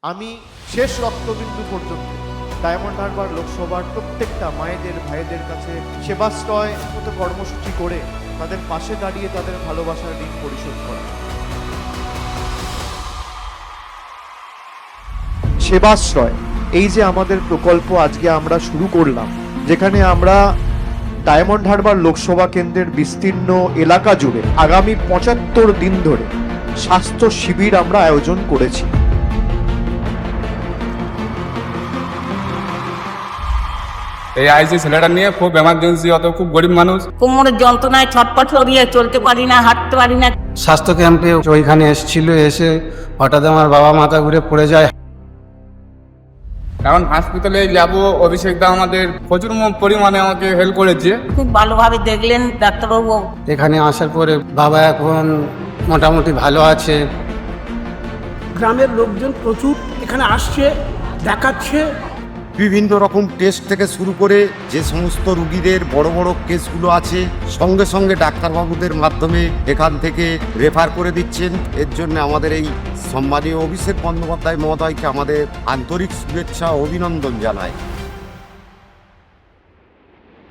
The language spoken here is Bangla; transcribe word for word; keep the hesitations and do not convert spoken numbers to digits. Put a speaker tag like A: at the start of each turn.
A: আমি শেষ রক্তবিন্দু পর্যন্ত ডায়মন্ড হারবার লোকসভার প্রত্যেকটা মায়েদের ভাইদের কাছে সেবাশ্রয় মতো কর্মসূচি করে তাদের পাশে দাঁড়িয়ে তাদের ভালোবাসার ঋণ পরিশোধ করা। সেবাশ্রয় এই যে আমাদের প্রকল্প আজকে আমরা শুরু করলাম, যেখানে আমরা ডায়মন্ড হারবার লোকসভা কেন্দ্রের বিস্তীর্ণ এলাকা জুড়ে আগামী পঁচাত্তর দিন ধরে স্বাস্থ্য শিবির আমরা আয়োজন করেছি।
B: এই আইসি ছেলেটা নিয়ে খুব এমার্জেন্সি, অত খুব গরিব মানুষ,
C: কোমরের যন্ত্রণায় ছটপট করিয়ে চলতে পারি না, হাঁটতে পারি না।
D: স্বাস্থ্য ক্যাম্পে ওইখানে এসেছিল, এসে হঠাৎ আমার বাবা মাথা ঘুরে পড়ে যায়।
B: এখন হসপিটালে যাব, অভিষেক দা আমাদের প্রচুর পরিমাণে আমাকে হেল্প করেছে।
C: খুব ভালোভাবে দেখলেন ডাক্তারবাবু।
D: এখানে আসার পরে বাবা এখন মোটামুটি ভালো আছে।
E: গ্রামের লোকজন প্রচুর এখানে আসছে, দেখাচ্ছে।
F: বিভিন্ন রকম টেস্ট থেকে শুরু করে যে সমস্ত রুগীদের বড় বড় কেসগুলো আছে সঙ্গে সঙ্গে ডাক্তারবাবুদের মাধ্যমে এখান থেকে রেফার করে দিচ্ছেন। এর জন্য আমাদের এই সম্মানীয় অভিষেক বন্দ্যোপাধ্যায় মহোদয়কে আমাদের আন্তরিক শুভেচ্ছা ও অভিনন্দন জানাই।